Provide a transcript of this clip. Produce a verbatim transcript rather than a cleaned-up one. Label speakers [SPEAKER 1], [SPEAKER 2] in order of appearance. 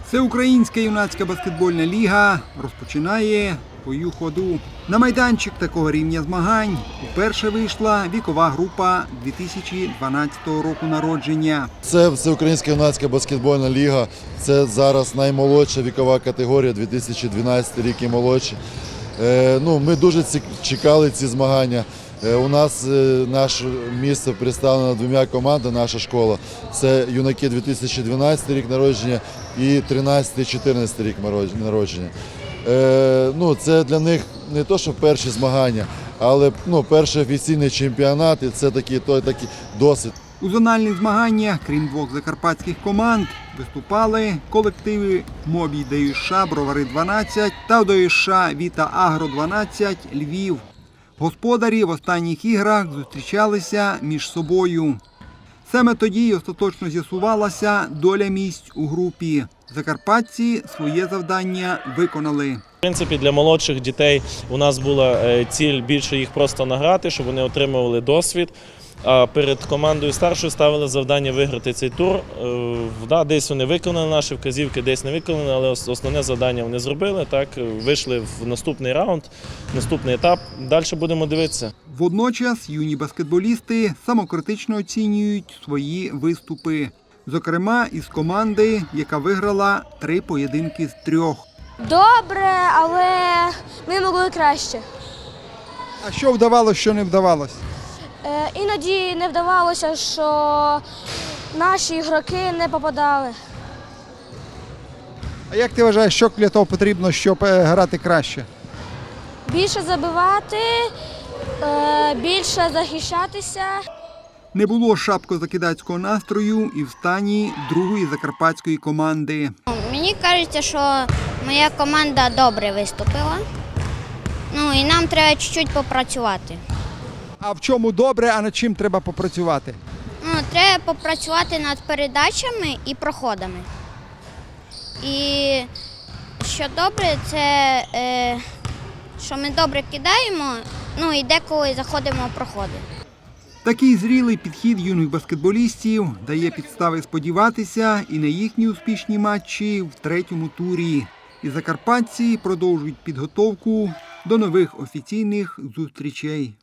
[SPEAKER 1] Всеукраїнська юнацька баскетбольна ліга розпочинає свою ходу. На майданчик такого рівня змагань вперше вийшла вікова група дві тисячі дванадцятого року народження.
[SPEAKER 2] Це Всеукраїнська юнацька баскетбольна ліга. Це зараз наймолодша вікова категорія, дві тисячі дванадцятий рік і молодші. Е, ну, ми дуже ці, чекали ці змагання. Е, у нас е, наше місце представлено двома командами, наша школа. Це юнаки дві тисячі дванадцятий рік народження і тринадцятий-чотирнадцятий рік народження. Е, ну, це для них не то, що перші змагання, але ну, перший офіційний чемпіонат, і це такий, той, такий досвід.
[SPEAKER 1] У зональних змаганнях, крім двох закарпатських команд, виступали колективи МОБІ ДЮСШ Бровари дванадцять та ДЮСШ Віта Агро дванадцять Львів. Господарі в останніх іграх зустрічалися між собою. Саме тоді й остаточно з'ясувалася доля місць у групі. Закарпатці своє завдання виконали.
[SPEAKER 3] В принципі, для молодших дітей у нас була ціль більше їх просто награти, щоб вони отримували досвід. А перед командою старшою ставили завдання виграти цей тур. Да, десь вони виконали наші вказівки, десь не виконали, але основне завдання вони зробили. Так, вийшли в наступний раунд, наступний етап. Далі будемо дивитися.
[SPEAKER 1] Водночас юні баскетболісти самокритично оцінюють свої виступи. Зокрема, із команди, яка виграла три поєдинки з трьох.
[SPEAKER 4] Добре, але ми могли краще.
[SPEAKER 1] А що вдавалося, що не вдавалося?
[SPEAKER 4] Е, іноді не вдавалося, що наші ігроки не попадали.
[SPEAKER 1] А як ти вважаєш, що для того потрібно, щоб грати краще?
[SPEAKER 4] Більше забивати, е, більше захищатися.
[SPEAKER 1] Не було шапко-закидацького настрою і в стані другої закарпатської команди.
[SPEAKER 5] Мені кажеться, що моя команда добре виступила. Ну і нам треба чуть-чуть попрацювати.
[SPEAKER 1] А в чому добре, а над чим треба попрацювати?
[SPEAKER 5] Ну, треба попрацювати над передачами і проходами. І що добре, це е, що ми добре кидаємо, ну і деколи заходимо в проходи.
[SPEAKER 1] Такий зрілий підхід юних баскетболістів дає підстави сподіватися і на їхні успішні матчі в третьому турі. І закарпатці продовжують підготовку до нових офіційних зустрічей.